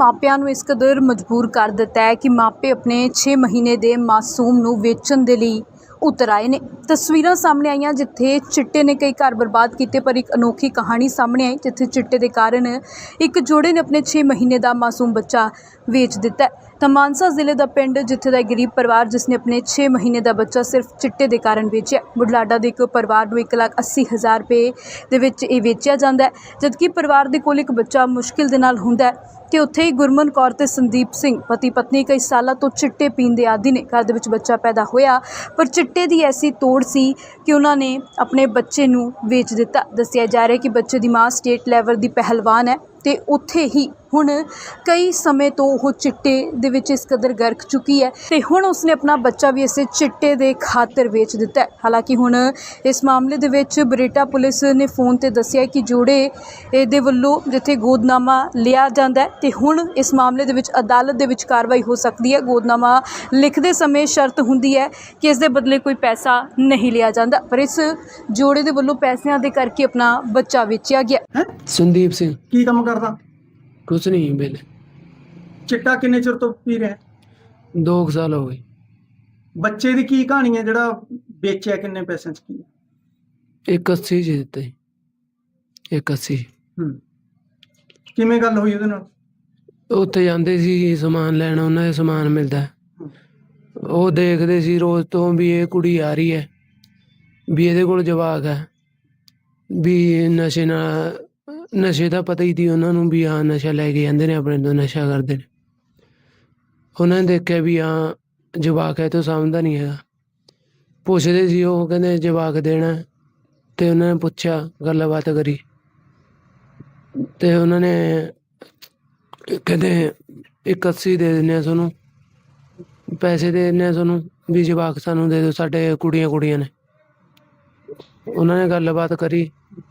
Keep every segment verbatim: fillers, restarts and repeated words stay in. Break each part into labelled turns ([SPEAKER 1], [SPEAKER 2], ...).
[SPEAKER 1] ਮਾਪਿਆਂ ਨੂੰ ਇਸ ਕਦਰ ਮਜਬੂਰ ਕਰ ਦਿੱਤਾ ਹੈ ਕਿ ਮਾਪੇ ਆਪਣੇ ਛੇ ਮਹੀਨੇ ਦੇ ਮਾਸੂਮ ਨੂੰ ਵੇਚਣ ਦੇ ਲਈ ਉਤਰ ਆਏ ਨੇ। ਤਸਵੀਰਾਂ ਸਾਹਮਣੇ ਆਈਆਂ ਜਿੱਥੇ ਚਿੱਟੇ ਨੇ ਕਈ ਘਰ ਬਰਬਾਦ ਕੀਤੇ, ਪਰ ਇੱਕ ਅਨੋਖੀ ਕਹਾਣੀ ਸਾਹਮਣੇ ਆਈ ਜਿੱਥੇ ਚਿੱਟੇ ਦੇ ਕਾਰਨ ਇੱਕ ਜੋੜੇ ਨੇ ਆਪਣੇ ਛੇ ਮਹੀਨੇ ਦਾ ਮਾਸੂਮ ਬੱਚਾ ਵੇਚ ਦਿੱਤਾ। ਤਾਂ ਮਾਨਸਾ ਜ਼ਿਲ੍ਹੇ ਦਾ ਪਿੰਡ ਜਿੱਥੇ ਦਾ ਗਰੀਬ ਪਰਿਵਾਰ ਜਿਸ ਨੇ ਆਪਣੇ ਛੇ ਮਹੀਨੇ ਦਾ ਬੱਚਾ ਸਿਰਫ ਚਿੱਟੇ ਦੇ ਕਾਰਨ ਵੇਚਿਆ। ਬੁਢਲਾਡਾ ਦੇ ਇੱਕ ਪਰਿਵਾਰ ਨੂੰ ਇੱਕ ਲੱਖ ਅੱਸੀ ਹਜ਼ਾਰ ਰੁਪਏ ਦੇ ਵਿੱਚ ਇਹ ਵੇਚਿਆ ਜਾਂਦਾ ਹੈ, ਜਦਕਿ ਪਰਿਵਾਰ ਦੇ ਕੋਲ ਇੱਕ ਬੱਚਾ ਮੁਸ਼ਕਿਲ ਦੇ ਨਾਲ ਹੁੰਦਾ ਹੈ। ਤੇ ਉੱਥੇ ਹੀ ਗੁਰਮਨ ਕੌਰ ਤੇ ਸੰਦੀਪ ਸਿੰਘ ਪਤੀ ਪਤਨੀ ਕਈ ਸਾਲਾਂ ਤੋਂ ਚਿੱਟੇ ਪੀਣ ਦੇ ਆਦੀ ਨੇ। ਘਰ ਦੇ ਵਿੱਚ ਬੱਚਾ ਪੈਦਾ ਹੋਇਆ, ਪਰ ਚਿੱਟੇ ਦੀ ਐਸੀ ਤੋੜ ਸੀ ਕਿ ਉਹਨਾਂ ਨੇ ਆਪਣੇ ਬੱਚੇ ਨੂੰ ਵੇਚ ਦਿੱਤਾ। ਦੱਸਿਆ ਜਾ ਰਿਹਾ ਕਿ ਬੱਚੇ ਦੀ ਮਾਂ ਸਟੇਟ ਲੈਵਲ ਦੀ ਪਹਿਲਵਾਨ ਹੈ ਤੇ ਉੱਥੇ ਹੀ ਹੁਣ ਕਈ ਸਮੇਂ ਤੋਂ ਉਹ ਚਿੱਟੇ ਦੇ ਵਿੱਚ ਇਸ ਕਦਰ ਗਰਕ ਚੁੱਕੀ ਹੈ ਤੇ ਹੁਣ ਉਸਨੇ ਆਪਣਾ ਬੱਚਾ ਵੀ ਇਸੇ ਚਿੱਟੇ ਦੇ ਖਾਤਰ ਵੇਚ ਦਿੱਤਾ ਹੈ। ਹਾਲਾਂਕਿ ਹੁਣ ਇਸ ਮਾਮਲੇ ਦੇ ਵਿੱਚ ਬਰੇਟਾ ਪੁਲਿਸ ਨੇ ਫੋਨ ਤੇ ਦੱਸਿਆ ਕਿ ਜੋੜੇ ਦੇ ਵੱਲੋਂ ਜਿੱਥੇ ਗੋਦਨਾਮਾ ਲਿਆ ਜਾਂਦਾ ਤੇ ਹੁਣ ਇਸ ਮਾਮਲੇ ਦੇ ਵਿੱਚ ਅਦਾਲਤ ਦੇ ਵਿੱਚ ਕਾਰਵਾਈ ਹੋ ਸਕਦੀ ਹੈ। ਗੋਦਨਾਮਾ ਲਿਖਦੇ ਸਮੇਂ ਸ਼ਰਤ ਹੁੰਦੀ ਹੈ ਕਿ ਇਸ ਦੇ ਬਦਲੇ ਕੋਈ ਪੈਸਾ ਨਹੀਂ ਲਿਆ ਜਾਂਦਾ, ਪਰ ਇਸ ਜੋੜੇ ਦੇ ਵੱਲੋਂ ਪੈਸਿਆਂ ਦੇ ਕਰਕੇ ਆਪਣਾ ਬੱਚਾ ਵੇਚਿਆ ਗਿਆ।
[SPEAKER 2] ਸੰਦੀਪ ਸਿੰਘ
[SPEAKER 3] ਕੀ ਕੰਮ ਕਰਦਾ?
[SPEAKER 2] ਕੁਛ ਨਹੀਂ ਵੇਲੇ
[SPEAKER 3] ਚਿੱਟਾ ਕਿੰਨੇ ਚਿਰ ਤੋਂ ਪੀ ਰਿਹਾ?
[SPEAKER 2] ਦੋ ਕੁ ਸਾਲ ਹੋ ਗਏ।
[SPEAKER 3] ਬੱਚੇ ਦੀ ਕੀ ਕਹਾਣੀ ਹੈ ਜਿਹੜਾ ਵੇਚਿਆ? ਕਿੰਨੇ ਪੈਸਿਆਂ ਚ ਕੀ?
[SPEAKER 2] ਇੱਕ ਅੱਸੀ ਚ ਦਿੱਤਾ ਜੀ, ਇੱਕ ਅੱਸੀ।
[SPEAKER 3] ਹੂੰ, ਕਿਵੇਂ ਗੱਲ ਹੋਈ ਉਹਦੇ ਨਾਲ?
[SPEAKER 2] ਉੱਥੇ ਜਾਂਦੇ ਸੀ ਸਮਾਨ ਲੈਣ, ਉਹਨਾਂ ਦਾ ਸਮਾਨ ਮਿਲਦਾ, ਉਹ ਦੇਖਦੇ ਸੀ ਰੋਜ਼ ਤੋਂ ਵੀ ਇਹ ਕੁੜੀ ਆ ਰਹੀ ਹੈ, ਵੀ ਇਹਦੇ ਕੋਲ ਜਵਾਕ ਹੈ, ਵੀ ਨਸ਼ੇ ਨਾਲ ਨਸ਼ੇ ਦਾ ਪਤਾ ਹੀ ਸੀ ਉਹਨਾਂ ਨੂੰ ਵੀ ਹਾਂ ਨਸ਼ਾ ਲੈ ਕੇ ਜਾਂਦੇ ਨੇ, ਆਪਣੇ ਤੋਂ ਨਸ਼ਾ ਕਰਦੇ ਨੇ। ਉਹਨਾਂ ਨੇ ਦੇਖਿਆ ਵੀ ਹਾਂ ਜਵਾਕ ਹੈ, ਤੋਂ ਸਮਝਦਾ ਨਹੀਂ ਹੈਗਾ। ਪੁੱਛਦੇ ਸੀ, ਉਹ ਕਹਿੰਦੇ ਜਵਾਕ ਦੇਣਾ, ਅਤੇ ਉਹਨਾਂ ਨੇ ਪੁੱਛਿਆ, ਗੱਲਬਾਤ ਕਰੀ, ਅਤੇ ਉਹਨਾਂ ਨੇ ਕਹਿੰਦੇ ਇੱਕ ਅੱਸੀ ਦੇ ਦਿੰਦੇ ਹਾਂ ਤੁਹਾਨੂੰ, ਪੈਸੇ ਦੇ ਦਿੰਦੇ ਹਾਂ ਤੁਹਾਨੂੰ, ਵੀ ਜਵਾਕ ਸਾਨੂੰ ਦੇ ਦਿਓ, ਸਾਡੇ ਕੁੜੀਆਂ ਕੁੜੀਆਂ ਨੇ। ਉਹਨਾਂ ਨੇ ਗੱਲਬਾਤ ਕਰੀ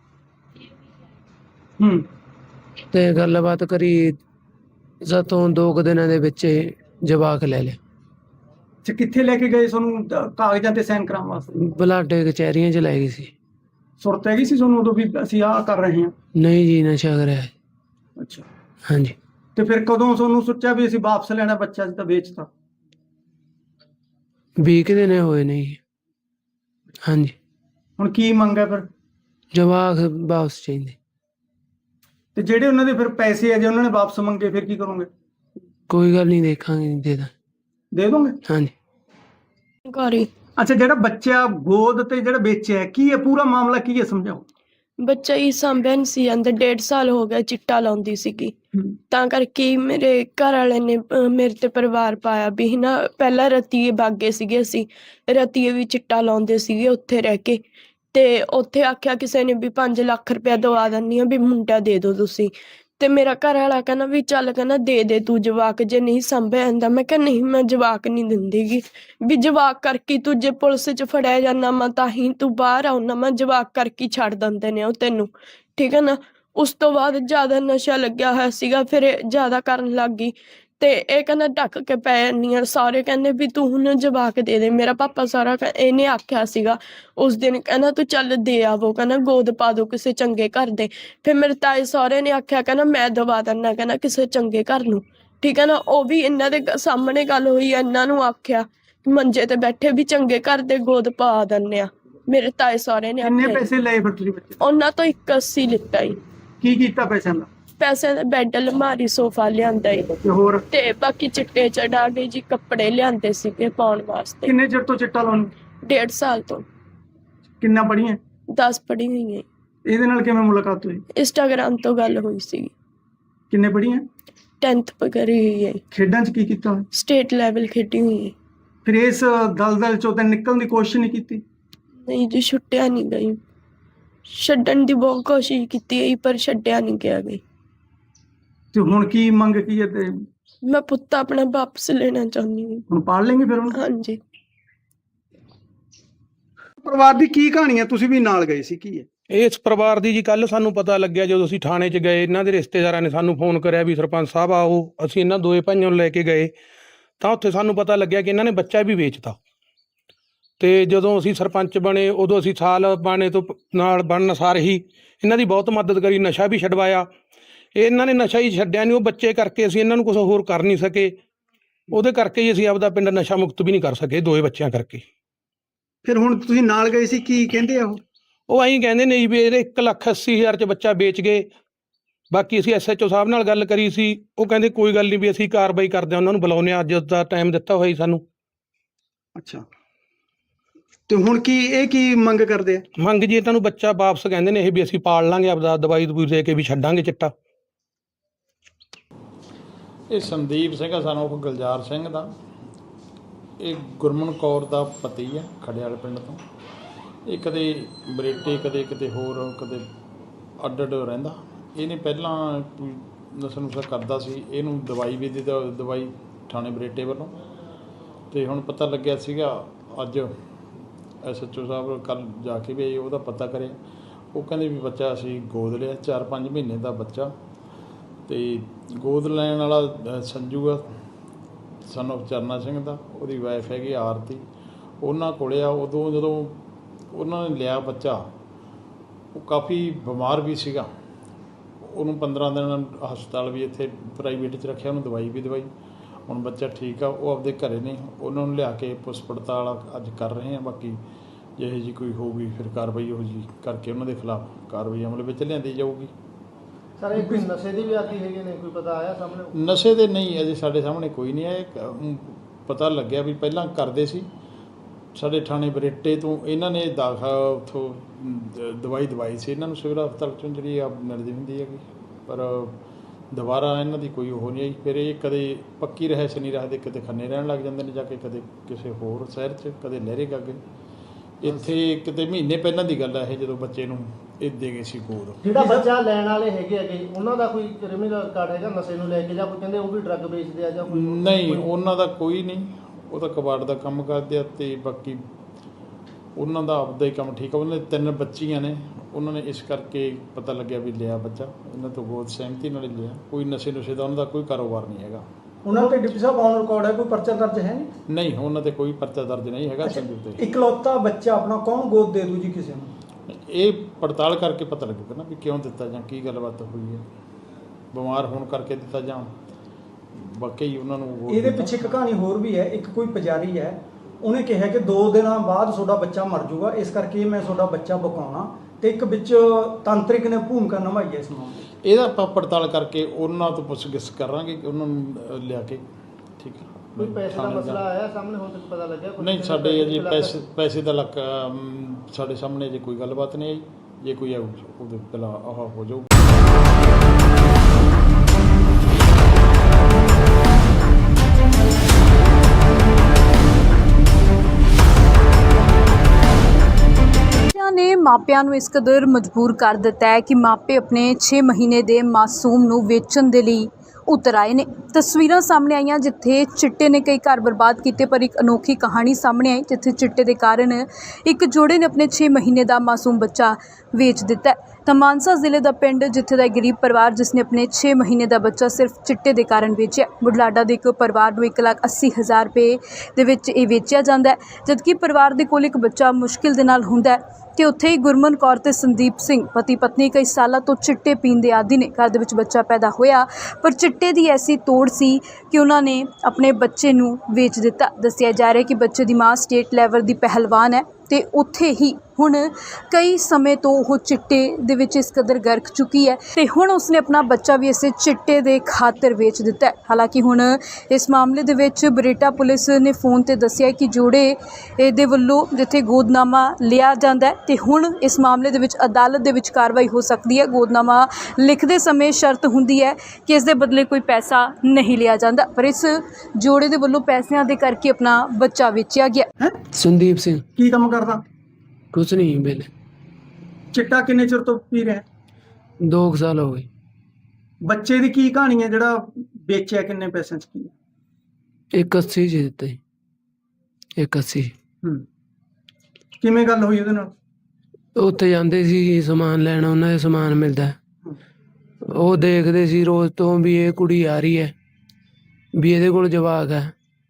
[SPEAKER 3] ਹੂੰ
[SPEAKER 2] ਤੇ ਗੱਲਬਾਤ ਕਰੀ ਸਾਤੋਂ ਦੋ ਕੁ ਦਿਨਾਂ ਦੇ ਵਿੱਚ ਜਵਾਕ ਲੈ ਲਿਆ।
[SPEAKER 3] ਤੇ ਕਿੱਥੇ ਲੈ ਕੇ ਗਏ ਤੁਹਾਨੂੰ ਕਾਗਜ਼ਾਂ ਤੇ ਸਾਈਨ ਕਰਾਉਣ ਵਾਸਤੇ?
[SPEAKER 2] ਬਲਾਡੇ ਕਚਹਿਰੀਆਂ ਚ ਲੈ ਗਈ ਸੀ।
[SPEAKER 3] ਸੁਰਤ ਹੈਗੀ ਸੀ ਤੁਹਾਨੂੰ ਉਦੋਂ ਵੀ ਅਸੀਂ ਆਹ ਕਰ ਰਹੇ ਹਾਂ?
[SPEAKER 2] ਨਹੀਂ ਜੀ, ਨਸ਼ਾ ਕਰਿਆ।
[SPEAKER 3] ਅੱਛਾ,
[SPEAKER 2] ਹਾਂਜੀ।
[SPEAKER 3] ਤੇ ਫਿਰ ਕਦੋਂ ਤੁਹਾਨੂੰ ਸੋਚਿਆ ਵੀ ਅਸੀਂ ਵਾਪਸ ਲੈਣਾ ਬੱਚਾ? ਸੀ ਤਾਂ ਵੇਚਤਾ?
[SPEAKER 2] ਵੀਹ ਕੁ ਦਿਨ ਹੋਏ ਨੇ ਜੀ। ਹਾਂਜੀ।
[SPEAKER 3] ਹੁਣ ਕੀ ਮੰਗ ਹੈ ਫਿਰ?
[SPEAKER 2] ਜਵਾਕ ਵਾਪਸ ਚਾਹੀਦੇ।
[SPEAKER 3] ਤੇ ਜਿਹੜੇ ਉਹਨਾਂ ਦੇ ਫਿਰ ਪੈਸੇ ਆ, ਜੇ ਉਹਨਾਂ ਨੇ ਵਾਪਸ ਮੰਗੇ ਫਿਰ ਕੀ ਕਰੋਗੇ?
[SPEAKER 2] ਕੋਈ ਗੱਲ ਨਹੀਂ, ਦੇਖਾਂਗੇ, ਦੇ ਦਾਂ।
[SPEAKER 3] ਦੇ ਦੋਗੇ?
[SPEAKER 2] ਹਾਂਜੀ।
[SPEAKER 4] ਘਰ
[SPEAKER 3] ਅੱਛਾ, ਜਿਹੜਾ ਬੱਚਾ ਗੋਦ ਤੇ ਜਿਹੜਾ ਵੇਚਿਆ ਕੀ ਹੈ, ਪੂਰਾ ਮਾਮਲਾ ਕੀ ਹੈ, ਸਮਝਾਓ।
[SPEAKER 4] ਬੱਚਾ ਹੀ ਸਾਂਭਿਆ ਨਹੀਂ ਸੀ ਜਾਂਦਾ, ਡੇਢ ਸਾਲ ਹੋ ਗਿਆ ਚਿੱਟਾ ਲਾਉਂਦੀ ਸੀਗੀ, ਤਾਂ ਕਰਕੇ ਮੇਰੇ ਘਰ ਵਾਲੇ ਨੇ ਅਹ, ਮੇਰੇ ਤੇ ਪਰਿਵਾਰ ਪਾਇਆ ਵੀ ਨਾ। ਪਹਿਲਾਂ ਰਤੀਏ ਬਾਗੇ ਸੀਗੇ, ਅਸੀਂ ਰਤੀਏ ਵੀ ਚਿੱਟਾ ਲਾਉਂਦੇ ਸੀਗੇ ਉੱਥੇ ਰਹਿ ਕੇ, ਤੇ ਉੱਥੇ ਆਖਿਆ ਕਿਸੇ ਨੇ ਵੀ ਪੰਜ ਲੱਖ ਰੁਪਇਆ ਦਵਾ ਦਿੰਦੀ ਆ, ਵੀ ਮੁੰਡਾ ਦੇ ਦਿਓ ਤੁਸੀਂ। ਤੇ ਮੇਰਾ ਘਰ ਵਾਲਾ ਕਹਿੰਦਾ ਵੀ ਚੱਲ, ਕਹਿੰਦਾ ਦੇ ਦੇ ਤੂੰ ਜਵਾਕ, ਜੇ ਨਹੀਂ ਸਾਂਭਿਆ ਜਾਂਦਾ। ਮੈਂ ਕਿਹਾ ਨਹੀਂ, ਮੈਂ ਜਵਾਕ ਨਹੀਂ ਦਿੰਦੀਗੀ, ਵੀ ਜਵਾਕ ਕਰਕੇ ਤੂੰ ਜੇ ਪੁਲਿਸ 'ਚ ਫੜਿਆ ਜਾਂਦਾ ਮੈਂ ਤਾਂ ਹੀ ਤੂੰ ਬਾਹਰ ਆਉਣਾ, ਮੈਂ ਜਵਾਕ ਕਰਕੇ ਛੱਡ ਦਿੰਦੇ ਨੇ ਉਹ ਤੈਨੂੰ, ਠੀਕ ਹੈ ਨਾ। ਉਸ ਤੋਂ ਬਾਅਦ ਜ਼ਿਆਦਾ ਨਸ਼ਾ ਲੱਗਿਆ ਹੋਇਆ ਸੀਗਾ, ਫਿਰ ਇਹ ਜ਼ਿਆਦਾ ਕਰਨ ਲੱਗ ਗਈ, ਤੇ ਇਹ ਕਹਿੰਦਾ ਢੱਕ ਕੇ ਪੈ ਜਾਂਦੀ ਆ। ਸਾਰੇ ਕਹਿੰਦੇ ਵੀ ਤੂੰ ਹੁਣ ਜਵਾਕ ਦੇ ਦੇ। ਮੇਰਾ ਪਾਪਾ ਸਾਰਾ ਇਹਨੇ ਆਖਿਆ ਸੀਗਾ ਉਸ ਦਿਨ, ਕਹਿੰਦਾ ਤੂੰ ਚੱਲ ਦੇ ਆਵੋ, ਕਹਿੰਦਾ ਗੋਦ ਪਾ ਦੋ ਕਿਸੇ ਚੰਗੇ ਘਰ ਦੇ। ਫਿਰ ਮੇਰੇ ਤਾਏ ਸਹੁਰੇ ਨੇ ਆਖਿਆ, ਕਹਿੰਦਾ ਮੈਂ ਦਵਾ ਦਿੰਦਾ, ਕਹਿੰਦਾ ਕਿਸੇ ਚੰਗੇ ਘਰ ਨੂੰ, ਠੀਕ ਹੈ ਨਾ। ਉਹ ਵੀ ਇਹਨਾਂ ਦੇ ਸਾਹਮਣੇ ਗੱਲ ਹੋਈ, ਇਹਨਾਂ ਨੂੰ ਆਖਿਆ ਮੰਜੇ ਤੇ ਬੈਠੇ ਵੀ ਚੰਗੇ ਘਰ ਦੇ ਗੋਦ ਪਾ ਦਿੰਦੇ ਆ। ਮੇਰੇ ਤਾਏ ਸਹੁਰੇ ਨੇ
[SPEAKER 3] ਕਿੰਨੇ
[SPEAKER 4] ਆਖਿਆ।
[SPEAKER 3] ਪੈਸੇ ਲਏ ਫਿਰ ਤੁਸੀਂ ਬੱਚੇ?
[SPEAKER 4] ਉਹਨਾਂ ਤੋਂ ਇੱਕ ਅੱਸੀ ਲਿੱਤਾ ਹੀ।
[SPEAKER 3] ਕੀ ਕੀਤਾ ਪੈਸਿਆਂ ਦਾ?
[SPEAKER 4] ਪੈਸੇ ਦਾ ਬੈੱਡ, ਅਲਮਾਰੀ, ਸੋਫਾ ਲਿਆਂਦਾ ਈ,
[SPEAKER 3] ਤੇ ਹੋਰ?
[SPEAKER 4] ਤੇ ਬਾਕੀ ਚਿੱਟੇ ਚੜਾ ਕੇ ਜੀ ਕੱਪੜੇ ਲਿਆਂਦੇ ਸੀਗੇ ਪਾਉਣ ਵਾਸਤੇ।
[SPEAKER 3] ਕਿੰਨੇ ਚਿਰ ਤੋਂ ਚਿੱਟਾ ਲਾਉਣ?
[SPEAKER 4] ਡੇਢ ਸਾਲ ਤੋਂ।
[SPEAKER 3] ਕਿੰਨਾ ਪੜ੍ਹੀਆਂ?
[SPEAKER 4] ਦਸ ਪੜ੍ਹੀ ਹੋਈ ਹੈ।
[SPEAKER 3] ਇਹਦੇ ਨਾਲ ਕਿਵੇਂ ਮੁਲਾਕਾਤ ਹੋਈ?
[SPEAKER 4] ਇੰਸਟਾਗ੍ਰਾਮ ਤੋਂ ਗੱਲ ਹੋਈ ਸੀ।
[SPEAKER 3] ਕਿੰਨੇ ਪੜ੍ਹੀਆਂ?
[SPEAKER 4] ਟੈਂਥ ਕਰੀ ਹੋਈ ਹੈ।
[SPEAKER 3] ਖੇਡਾਂ 'ਚ ਕੀ ਕੀਤਾ?
[SPEAKER 4] ਸਟੇਟ ਲੈਵਲ ਖੇਡੀ ਹੋਈ ਹੈ।
[SPEAKER 3] ਫਿਰ ਇਸ ਦਲਦਲ 'ਚੋਂ ਤਾਂ ਨਿਕਲਣ ਦੀ ਕੋਸ਼ਿਸ਼ ਨਹੀਂ ਕੀਤੀ?
[SPEAKER 4] ਨਹੀਂ ਜੀ, ਛੁੱਟਿਆ ਨਹੀਂ ਗਈ। ਛੱਡਣ ਦੀ ਬਹੁਤ ਕੋਸ਼ਿਸ਼ ਕੀਤੀ ਹੈ ਪਰ ਛੱਡਿਆ ਨਹੀਂ ਗਿਆ ਗਈ।
[SPEAKER 3] ਤੇ ਹੁਣ ਕੀ ਮੰਗ ਕੀ ਹੈ? ਤੇ
[SPEAKER 4] ਮੈਂ ਪੁੱਤ ਆਪਣਾ ਵਾਪਸ ਲੈਣਾ ਚਾਹੁੰਦੀ ਹਾਂ।
[SPEAKER 3] ਹੁਣ ਪਾਲ ਲੈਂਗੇ ਫਿਰ ਹੁਣ?
[SPEAKER 4] ਹਾਂਜੀ।
[SPEAKER 3] ਪਰਿਵਾਰ ਦੀ ਕੀ ਕਹਾਣੀ ਹੈ? ਤੁਸੀਂ ਵੀ ਨਾਲ ਗਏ ਸੀ, ਕੀ ਹੈ
[SPEAKER 5] ਇਸ ਪਰਿਵਾਰ ਦੀ ਜੀ? ਕੱਲ ਸਾਨੂੰ ਪਤਾ ਲੱਗਿਆ ਜਦੋਂ ਅਸੀਂ ਥਾਣੇ 'ਚ ਗਏ, ਇਹਨਾਂ ਦੇ ਰਿਸ਼ਤੇਦਾਰਾਂ ਨੇ ਸਾਨੂੰ ਫੋਨ ਕਰਿਆ ਵੀ ਸਰਪੰਚ ਸਾਹਿਬ ਆਓ। ਅਸੀਂ ਇਹਨਾਂ ਦੋਏ ਭਾਈਆਂ ਨੂੰ ਲੈ ਕੇ ਗਏ ਤਾਂ ਉੱਥੇ ਸਾਨੂੰ ਪਤਾ ਲੱਗਿਆ ਕਿ ਇਹਨਾਂ ਨੇ ਬੱਚਾ ਵੀ ਵੇਚਤਾ। ਅਤੇ ਜਦੋਂ ਅਸੀਂ ਸਰਪੰਚ ਬਣੇ ਉਦੋਂ ਅਸੀਂ ਸਾਲ ਬਾਣੇ ਤੋਂ ਨਾਲ ਬਣਨ ਸਾਰ ਹੀ ਇਹਨਾਂ ਦੀ ਬਹੁਤ ਮਦਦ ਕਰੀ, ਨਸ਼ਾ ਵੀ ਛਡਵਾਇਆ। ਇਹਨਾਂ ਨੇ ਨਸ਼ਾ ਹੀ ਛੱਡਿਆ ਨਹੀਂ, ਉਹ ਬੱਚੇ ਕਰਕੇ ਅਸੀਂ ਇਹਨਾਂ ਨੂੰ ਕੁਝ ਹੋਰ ਕਰ ਨਹੀਂ ਸਕੇ, ਉਹਦੇ ਕਰਕੇ ਹੀ ਅਸੀਂ ਆਪਦਾ ਪਿੰਡ ਨਸ਼ਾ ਮੁਕਤ ਵੀ ਨਹੀਂ ਕਰ ਸਕੇ, ਦੋਏ ਬੱਚਿਆਂ ਕਰਕੇ।
[SPEAKER 3] ਫਿਰ ਹੁਣ ਤੁਸੀਂ ਨਾਲ ਗਏ ਸੀ, ਕੀ ਕਹਿੰਦੇ ਆ ਉਹ?
[SPEAKER 5] ਉਹ ਐਂ ਕਹਿੰਦੇ ਨੇ ਜੀ ਵੀ ਇਹਦੇ ਇੱਕ ਲੱਖ ਅੱਸੀ ਹਜ਼ਾਰ 'ਚ ਬੱਚਾ ਵੇਚ ਗਏ। ਬਾਕੀ ਅਸੀਂ ਐਸ ਐਚ ਓ ਸਾਹਿਬ ਨਾਲ ਗੱਲ ਕਰੀ ਸੀ, ਉਹ ਕਹਿੰਦੇ ਕੋਈ ਗੱਲ ਨਹੀਂ ਵੀ ਅਸੀਂ ਕਾਰਵਾਈ ਕਰਦੇ ਹਾਂ, ਉਹਨਾਂ ਨੂੰ ਬੁਲਾਉਂਦੇ ਹਾਂ, ਅੱਜ ਦਾ ਟਾਈਮ ਦਿੱਤਾ ਹੋਇਆ ਜੀ ਸਾਨੂੰ।
[SPEAKER 3] ਅੱਛਾ, ਤੇ ਹੁਣ ਕੀ ਇਹ ਕੀ ਮੰਗ ਕਰਦੇ ਆ?
[SPEAKER 5] ਮੰਗ ਜੀ ਇਹਨਾਂ ਨੂੰ ਬੱਚਾ ਵਾਪਸ ਕਹਿੰਦੇ ਨੇ ਇਹ ਵੀ ਅਸੀਂ ਪਾਲ ਲਾਂਗੇ, ਆਪਦਾ ਦਵਾਈ ਦਵੂਈ ਦੇ ਕੇ ਵੀ ਛੱਡਾਂਗੇ ਚਿੱਟਾ।
[SPEAKER 6] ਇਹ ਸੰਦੀਪ ਸਿੰਘ ਆ, ਸਾਨੂੰ ਉਹ ਗੁਲਜ਼ਾਰ ਸਿੰਘ ਦਾ, ਇਹ ਗੁਰਮਨ ਕੌਰ ਦਾ ਪਤੀ ਆ, ਖੜਿਆਲ ਪਿੰਡ ਤੋਂ। ਇਹ ਕਦੇ ਬਰੇਟੇ, ਕਦੇ ਕਿਤੇ ਹੋਰ, ਕਦੇ ਅੱਡ ਅੱਡ ਰਹਿੰਦਾ। ਇਹਨੇ ਪਹਿਲਾਂ ਕੋਈ ਨਸ਼ਾ ਨੁਸ਼ਾ ਕਰਦਾ ਸੀ, ਇਹਨੂੰ ਦਵਾਈ ਵੀ ਦਿੱਤੀ, ਦਵਾਈ ਥਾਣੇ ਬਰੇਟੇ ਵੱਲੋਂ। ਅਤੇ ਹੁਣ ਪਤਾ ਲੱਗਿਆ ਸੀਗਾ ਅੱਜ ਐਸ ਐਚ ਓ ਸਾਹਿਬ ਕੱਲ੍ਹ ਜਾ ਕੇ ਵੀ ਉਹਦਾ ਪਤਾ ਕਰਿਆ, ਉਹ ਕਹਿੰਦੇ ਵੀ ਬੱਚਾ ਅਸੀਂ ਗੋਦ ਲਿਆ, ਚਾਰ ਪੰਜ ਮਹੀਨੇ ਦਾ ਬੱਚਾ। ਅਤੇ ਗੋਦ ਲੈਣ ਵਾਲਾ ਸੰਜੂ ਆ, ਸਾਨੂੰ ਚਰਨਾ ਸਿੰਘ ਦਾ, ਉਹਦੀ ਵਾਈਫ ਹੈਗੀ ਆਰਤੀ, ਉਹਨਾਂ ਕੋਲ ਆ। ਉਦੋਂ ਜਦੋਂ ਉਹਨਾਂ ਨੇ ਲਿਆ ਬੱਚਾ, ਉਹ ਕਾਫੀ ਬਿਮਾਰ ਵੀ ਸੀਗਾ, ਉਹਨੂੰ ਪੰਦਰਾਂ ਦਿਨ ਹਸਪਤਾਲ ਵੀ ਇੱਥੇ ਪ੍ਰਾਈਵੇਟ 'ਚ ਰੱਖਿਆ, ਉਹਨੂੰ ਦਵਾਈ ਵੀ ਦਵਾਈ। ਹੁਣ ਬੱਚਾ ਠੀਕ ਆ, ਉਹ ਆਪਦੇ ਘਰੇ ਨੇ, ਉਹਨਾਂ ਨੂੰ ਲਿਆ ਕੇ ਪੁਲਿਸ ਪੜਤਾਲ ਅੱਜ ਕਰ ਰਹੇ ਹਾਂ। ਬਾਕੀ ਜਿਹੋ ਜਿਹੀ ਕੋਈ ਹੋਊਗੀ ਫਿਰ ਕਾਰਵਾਈ ਉਹੋ ਜਿਹੀ ਕਰਕੇ ਉਹਨਾਂ ਦੇ ਖਿਲਾਫ ਕਾਰਵਾਈ ਅਮਲ ਵਿੱਚ ਲਿਆਂਦੀ ਜਾਊਗੀ।
[SPEAKER 7] ਸਰ ਇਹ ਕੋਈ ਨਸ਼ੇ ਦੀ ਵੀ ਆਦੀ ਹੈਗੇ ਨੇ, ਕੋਈ ਪਤਾ ਆਇਆ ਸਾਹਮਣੇ?
[SPEAKER 6] ਨਸ਼ੇ ਦੇ ਨਹੀਂ, ਅਜੇ ਸਾਡੇ ਸਾਹਮਣੇ ਕੋਈ ਨਹੀਂ ਆਇਆ। ਅਮ ਪਤਾ ਲੱਗਿਆ ਵੀ ਪਹਿਲਾਂ ਕਰਦੇ ਸੀ, ਸਾਡੇ ਥਾਣੇ ਬਰੇਟੇ ਤੋਂ ਇਹਨਾਂ ਨੇ ਦਾਖਾ ਉੱਥੋਂ ਦ- ਦਵਾਈ ਦਵਾਈ ਸੀ ਇਹਨਾਂ ਨੂੰ ਸਿਵਲ ਹਸਪਤਾਲ 'ਚੋਂ, ਜਿਹੜੀ ਆ ਮਿਲਦੀ ਹੁੰਦੀ ਹੈਗੀ, ਪਰ ਦੁਬਾਰਾ ਇਹਨਾਂ ਦੀ ਕੋਈ ਉਹ ਨਹੀਂ ਆਈ। ਫਿਰ ਇਹ ਕਦੇ ਪੱਕੀ ਰਹਿਸ਼ ਨਹੀਂ ਰੱਖਦੇ, ਕਿਤੇ ਖੰਨੇ ਰਹਿਣ ਲੱਗ ਜਾਂਦੇ ਨੇ ਜਾ ਕੇ, ਕਦੇ ਕਿਸੇ ਹੋਰ ਸ਼ਹਿਰ 'ਚ, ਕਦੇ ਲਹਿਰੇ ਗਾਗੇ। ਇੱਥੇ ਕਿਤੇ ਮਹੀਨੇ ਪਹਿਲਾਂ ਦੀ ਗੱਲ ਹੈ ਇਹ, ਜਦੋਂ ਬੱਚੇ ਨੂੰ ਇਹ ਦੇ ਗਏ ਸੀ ਗੋਦ।
[SPEAKER 7] ਜਿਹੜਾ ਬੱਚਾ ਲੈਣ ਵਾਲੇ ਹੈਗੇ ਹੈਗੇ ਉਹਨਾਂ ਦਾ ਕੋਈ ਕ੍ਰਿਮੀਨਲ ਰਿਕਾਰਡ ਹੈਗਾ ਨਸ਼ੇ ਨੂੰ ਲੈ ਕੇ, ਜਾਂ ਕੋਈ ਕਹਿੰਦੇ ਉਹ ਵੀ ਡਰੱਗ ਵੇਚਦੇ ਆ ਜਾਂ ਕੋਈ?
[SPEAKER 6] ਨਹੀਂ, ਉਹਨਾਂ ਦਾ ਕੋਈ ਨਹੀਂ, ਉਹ ਤਾਂ ਕਬਾੜ ਦਾ ਕੰਮ ਕਰਦੇ ਆ। ਅਤੇ ਬਾਕੀ ਉਹਨਾਂ ਦਾ ਆਪਦਾ ਹੀ ਕੰਮ ਠੀਕ ਆ। ਉਹਨਾਂ ਦੇ ਤਿੰਨ ਬੱਚੀਆਂ ਨੇ, ਉਹਨਾਂ ਨੇ ਇਸ ਕਰਕੇ ਪਤਾ ਲੱਗਿਆ ਵੀ ਲਿਆ ਬੱਚਾ, ਇਹਨਾਂ ਤੋਂ ਗੋਦ ਸਹਿਮਤੀ ਨਾਲ ਹੀ ਲਿਆ। ਕੋਈ ਨਸ਼ੇ ਨੁਸ਼ੇ ਦਾ ਉਹਨਾਂ ਦਾ ਕੋਈ ਕਾਰੋਬਾਰ ਨਹੀਂ ਹੈਗਾ।
[SPEAKER 8] ਉਹਨਾਂ ਤੇ ਡਿਪਟੀ ਸਾਹਿਬ ਔਨ ਰਿਕਾਰਡ ਹੈ, ਕੋਈ ਪਰਚਾ ਦਰਜ ਹੈ ਨਹੀਂ?
[SPEAKER 6] ਨਹੀਂ, ਉਹਨਾਂ ਤੇ ਕੋਈ ਪਰਚਾ ਦਰਜ ਨਹੀਂ ਹੈਗਾ ਸੰਜੂ ਤੇ।
[SPEAKER 8] ਇਕਲੌਤਾ ਬੱਚਾ ਆਪਣਾ ਕੌਣ ਗੋਦ ਦੇ ਦੂ ਜੀ ਕਿਸੇ ਨੂੰ?
[SPEAKER 6] ਇਹ ਪੜਤਾਲ ਕਰਕੇ ਪਤਾ ਲੱਗੇਗਾ ਨਾ ਵੀ ਕਿਉਂ ਦਿੱਤਾ ਜਾਂ ਕੀ ਗੱਲਬਾਤ ਹੋਈ ਹੈ, ਬਿਮਾਰ ਹੋਣ ਕਰਕੇ ਦਿੱਤਾ ਜਾਂ ਵਾਕਈ ਉਹਨਾਂ ਨੂੰ ਉਹ
[SPEAKER 8] ਇਹਦੇ
[SPEAKER 6] ਦਿੱਤਾ।
[SPEAKER 8] ਪਿੱਛੇ ਇੱਕ ਕਹਾਣੀ ਹੋਰ ਵੀ ਹੈ। ਇੱਕ ਕੋਈ ਪੁਜਾਰੀ ਹੈ, ਉਹਨੇ ਕਿਹਾ ਕਿ ਦੋ ਦਿਨਾਂ ਬਾਅਦ ਤੁਹਾਡਾ ਬੱਚਾ ਮਰ ਜਾਊਗਾ, ਇਸ ਕਰਕੇ ਮੈਂ ਤੁਹਾਡਾ ਬੱਚਾ ਬਕਾਉਣਾ, ਤੇ ਇੱਕ ਵਿੱਚ ਤਾਂਤਰਿਕ ਨੇ ਭੂਮਿਕਾ ਨਿਭਾਈ ਹੈ ਇਸ ਮਾਮਲੇ।
[SPEAKER 6] ਇਹਦਾ ਆਪਾਂ ਪੜਤਾਲ ਕਰਕੇ ਉਹਨਾਂ ਤੋਂ ਪੁੱਛਗਿੱਛ ਕਰਾਂਗੇ ਕਿ ਉਹਨਾਂ ਨੂੰ ਅ, ਲਿਆ ਕੇ। ਠੀਕ ਹੈ,
[SPEAKER 7] ਕੋਈ ਪੈਸੇ ਦਾ ਮਸਲਾ ਆਇਆ ਸਾਹਮਣੇ, ਹੁਣ ਤੱਕ ਪਤਾ ਲੱਗਿਆ? ਕੋਈ
[SPEAKER 6] ਨਹੀਂ, ਸਾਡੇ ਅਜੇ ਪੈਸੇ ਪੈਸੇ ਦਾ ਲੱਕ ਅਮ, ਸਾਡੇ ਸਾਹਮਣੇ ਅਜੇ ਕੋਈ ਗੱਲਬਾਤ ਨਹੀਂ ਆਈ। ਜੇ ਕੋਈ ਆਊ ਉਹਦੇ ਪਹਿਲਾਂ ਆਹ ਹੋ ਜਾਊ।
[SPEAKER 1] ਨੇ ਮਾਪਿਆਂ ਨੂੰ ਇਸ ਕਦਰ ਮਜਬੂਰ ਕਰ ਦਿੱਤਾ ਹੈ ਕਿ ਮਾਪੇ ਆਪਣੇ ਛੇ ਮਹੀਨੇ ਦੇ ਮਾਸੂਮ ਨੂੰ ਵੇਚਣ ਦੇ ਲਈ ਉਤਰ ਆਏ ਨੇ। ਤਸਵੀਰਾਂ ਸਾਹਮਣੇ ਆਈਆਂ ਜਿੱਥੇ ਚਿੱਟੇ ਨੇ ਕਈ ਘਰ ਬਰਬਾਦ ਕੀਤੇ, ਪਰ ਇੱਕ ਅਨੋਖੀ ਕਹਾਣੀ ਸਾਹਮਣੇ ਆਈ ਜਿੱਥੇ ਚਿੱਟੇ ਦੇ ਕਾਰਨ ਇੱਕ ਜੋੜੇ ਨੇ ਆਪਣੇ ਛੇ ਮਹੀਨੇ ਦਾ ਮਾਸੂਮ ਬੱਚਾ ਵੇਚ ਦਿੱਤਾ ਹੈ। ਤਾਂ ਮਾਨਸਾ ਜ਼ਿਲ੍ਹੇ ਦਾ ਪਿੰਡ ਜਿੱਥੇ ਦਾ ਗਰੀਬ ਪਰਿਵਾਰ ਜਿਸ ਨੇ ਆਪਣੇ ਛੇ ਮਹੀਨੇ ਦਾ ਬੱਚਾ ਸਿਰਫ ਚਿੱਟੇ ਦੇ ਕਾਰਨ ਵੇਚਿਆ। ਬੁਢਲਾਡਾ ਦੇ ਇੱਕ ਪਰਿਵਾਰ ਨੂੰ ਇੱਕ ਲੱਖ ਅੱਸੀ ਹਜ਼ਾਰ ਰੁਪਏ ਦੇ ਵਿੱਚ ਇਹ ਵੇਚਿਆ ਜਾਂਦਾ ਹੈ, ਜਦਕਿ ਪਰਿਵਾਰ ਦੇ ਕੋਲ ਇੱਕ ਬੱਚਾ ਮੁਸ਼ਕਿਲ ਦੇ ਨਾਲ ਹੁੰਦਾ ਹੈ। ਤੇ ਉੱਥੇ ਹੀ ਗੁਰਮਨ ਕੌਰ ਤੇ ਸੰਦੀਪ ਸਿੰਘ ਪਤੀ ਪਤਨੀ ਕਈ ਸਾਲਾਂ ਤੋਂ ਚਿੱਟੇ ਪੀਣ ਦੇ ਆਦੀ ਨੇ। ਘਰ ਦੇ ਵਿੱਚ ਬੱਚਾ ਪੈਦਾ ਹੋਇਆ, ਪਰ ਚਿੱਟੇ ਦੀ ਐਸੀ ਤੋੜ ਸੀ ਕਿ ਉਹਨਾਂ ਨੇ ਆਪਣੇ ਬੱਚੇ ਨੂੰ ਵੇਚ ਦਿੱਤਾ। ਦੱਸਿਆ ਜਾ ਰਿਹਾ ਕਿ ਬੱਚੇ ਦੀ ਮਾਂ ਸਟੇਟ ਲੈਵਲ ਦੀ ਪਹਿਲਵਾਨ ਹੈ ਤੇ ਉੱਥੇ ਹੀ ਹੁਣ ਕਈ ਸਮੇਂ ਤੋਂ ਉਹ ਚਿੱਟੇ ਦੇ ਵਿੱਚ ਇਸ ਕਦਰ ਗਰਕ ਚੁੱਕੀ ਹੈ ਤੇ ਹੁਣ ਉਸਨੇ ਆਪਣਾ ਬੱਚਾ ਵੀ ਇਸੇ ਚਿੱਟੇ ਦੇ ਖਾਤਰ ਵੇਚ ਦਿੱਤਾ ਹੈ। ਹਾਲਾਂਕਿ ਹੁਣ ਇਸ ਮਾਮਲੇ ਦੇ ਵਿੱਚ ਬਰੇਟਾ ਪੁਲਿਸ ਨੇ ਫੋਨ ਤੇ ਦੱਸਿਆ ਕਿ ਜੋੜੇ ਦੇ ਵੱਲੋਂ ਜਿੱਥੇ ਗੋਦਨਾਮਾ ਲਿਆ ਜਾਂਦਾ ਹੈ ਤੇ ਹੁਣ ਇਸ ਮਾਮਲੇ ਦੇ ਵਿੱਚ ਅਦਾਲਤ ਦੇ ਵਿੱਚ ਕਾਰਵਾਈ ਹੋ ਸਕਦੀ ਹੈ। ਗੋਦਨਾਮਾ ਲਿਖਦੇ ਸਮੇਂ ਸ਼ਰਤ ਹੁੰਦੀ ਹੈ ਕਿ ਇਸ ਦੇ ਬਦਲੇ ਕੋਈ ਪੈਸਾ ਨਹੀਂ ਲਿਆ ਜਾਂਦਾ, ਪਰ ਇਸ ਜੋੜੇ ਦੇ ਵੱਲੋਂ ਪੈਸਿਆਂ ਦੇ ਕਰਕੇ ਆਪਣਾ ਬੱਚਾ ਵੇਚਿਆ ਗਿਆ।
[SPEAKER 2] ਸੰਦੀਪ ਸਿੰਘ।
[SPEAKER 3] ਕੀ ਕੰਮ ਕਰਦਾ?
[SPEAKER 2] ਕੁਛ ਨਹੀਂ ਵੇਲੇ,
[SPEAKER 3] ਚਿੱਟਾ ਕਿੰਨੇ ਚਿਰ ਤੋਂ ਪੀ ਰਿਹਾ?
[SPEAKER 2] ਦੋ ਕੁ ਸਾਲ ਹੋ ਗਏ।
[SPEAKER 3] ਬੱਚੇ ਦੀ ਕੀ ਕਹਾਣੀ ਹੈ ਜਿਹੜਾ ਵੇਚਿਆ, ਕਿੰਨੇ ਪੈਸਿਆਂ 'ਚ ਕੀ?
[SPEAKER 2] ਇੱਕ ਅੱਸੀ ਚ ਦਿੱਤਾ ਜੀ, ਇੱਕ ਅੱਸੀ।
[SPEAKER 3] ਹੂੰ, ਕਿਵੇਂ ਗੱਲ ਹੋਈ ਉਹਦੇ ਨਾਲ?
[SPEAKER 2] ਉੱਥੇ ਜਾਂਦੇ ਸੀ ਸਮਾਨ ਲੈਣ, ਉਹਨਾਂ ਦੇ ਸਮਾਨ ਮਿਲਦਾ, ਉਹ ਦੇਖਦੇ ਸੀ ਰੋਜ਼ ਤੋਂ ਵੀ ਇਹ ਕੁੜੀ ਆ ਰਹੀ ਹੈ, ਵੀ ਇਹਦੇ ਕੋਲ ਜਵਾਕ ਹੈ,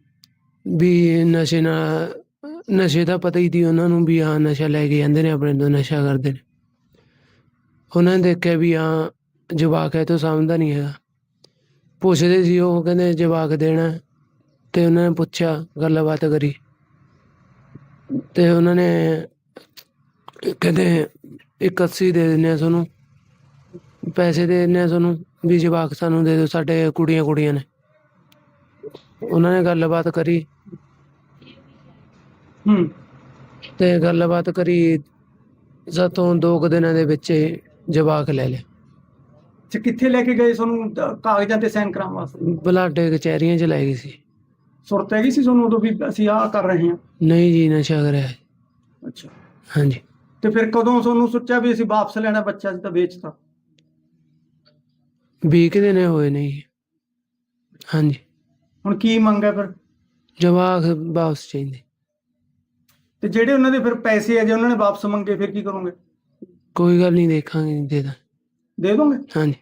[SPEAKER 2] ਵੀ ਨਸ਼ੇ ਨਾਲ ਨਸ਼ੇ ਦਾ ਪਤਾ ਹੀ ਸੀ ਉਹਨਾਂ ਨੂੰ ਵੀ ਹਾਂ ਨਸ਼ਾ ਲੈ ਕੇ ਜਾਂਦੇ ਨੇ ਆਪਣੇ ਤੋਂ, ਨਸ਼ਾ ਕਰਦੇ ਨੇ। ਉਹਨਾਂ ਨੇ ਦੇਖਿਆ ਵੀ ਹਾਂ ਜਵਾਕ ਹੈ ਤੋਂ ਸਮਝਦਾ ਨਹੀਂ ਹੈਗਾ। ਪੁੱਛਦੇ ਸੀ ਉਹ ਕਹਿੰਦੇ ਜਵਾਕ ਦੇਣਾ ਹੈ। ਤੇ ਉਹਨਾਂ ਨੇ ਪੁੱਛਿਆ, ਗੱਲਬਾਤ ਕਰੀ ਤੇ ਉਹਨਾਂ ਨੇ ਕਹਿੰਦੇ ਇੱਕ ਅੱਸੀ ਦੇ ਦਿੰਦੇ ਆ ਤੁਹਾਨੂੰ, ਪੈਸੇ ਦੇ ਦਿੰਦੇ ਆ ਤੁਹਾਨੂੰ ਵੀ ਜਵਾਕ ਸਾਨੂੰ ਦੇ ਦਿਓ, ਸਾਡੇ ਕੁੜੀਆਂ ਕੁੜੀਆਂ ਨੇ। ਉਹਨਾਂ ਨੇ ਗੱਲਬਾਤ ਕਰੀ
[SPEAKER 3] ਹੂੰ
[SPEAKER 2] ਤੇ ਗੱਲਬਾਤ ਕਰੀ ਸਾਤੋਂ ਦੋ ਕੁ ਦਿਨਾਂ ਦੇ ਵਿੱਚ ਹੀ ਜਵਾਕ ਲੈ ਲਿਆ।
[SPEAKER 3] ਅੱਛਾ, ਕਿੱਥੇ ਲੈ ਕੇ ਗਏ ਤੁਹਾਨੂੰ ਅ, ਕਾਗਜ਼ਾਂ ਤੇ ਸਾਈਨ ਕਰਾਉਣ ਵਾਸਤੇ?
[SPEAKER 2] ਬਲਾਡੇ ਕਚਹਿਰੀਆਂ ਚ ਲੈ ਗਈ ਸੀ।
[SPEAKER 3] ਸੁਰਤ ਹੈਗੀ ਸੀ ਤੁਹਾਨੂੰ ਉਦੋਂ ਵੀ ਅਸੀਂ ਆਹ ਕਰ ਰਹੇ ਹਾਂ?
[SPEAKER 2] ਨਹੀਂ ਜੀ, ਨਸ਼ਾ ਕਰਿਆ ਹੈ।
[SPEAKER 3] ਅੱਛਾ,
[SPEAKER 2] ਹਾਂਜੀ।
[SPEAKER 3] ਤੇ ਫਿਰ ਕਦੋਂ ਤੁਹਾਨੂੰ ਸੋਚਿਆ ਵੀ ਅਸੀਂ ਵਾਪਸ ਲੈਣਾ ਬੱਚਾ, ਅਸੀਂ ਤਾਂ ਵੇਚਤਾ?
[SPEAKER 2] ਵੀਹ ਕੁ ਦਿਨ ਹੋਏ ਨੇ ਜੀ। ਹਾਂਜੀ।
[SPEAKER 3] ਹੁਣ ਕੀ ਮੰਗ ਹੈ ਫਿਰ?
[SPEAKER 2] ਜਵਾਕ ਵਾਪਸ ਚਾਹੀਦੇ।
[SPEAKER 3] ਤੇ ਜਿਹੜੇ ਉਹਨਾਂ ਦੇ ਫਿਰ ਪੈਸੇ ਆ, ਜੇ ਉਹਨਾਂ ਨੇ ਵਾਪਸ ਮੰਗੇ ਫਿਰ ਕੀ ਕਰੋਗੇ?
[SPEAKER 2] ਕੋਈ ਗੱਲ ਨਹੀਂ, ਦੇਖਾਂਗੇ, ਦੇ ਦਾਂ।
[SPEAKER 3] ਦੇ ਦੋਗੇ?
[SPEAKER 2] ਹਾਂਜੀ।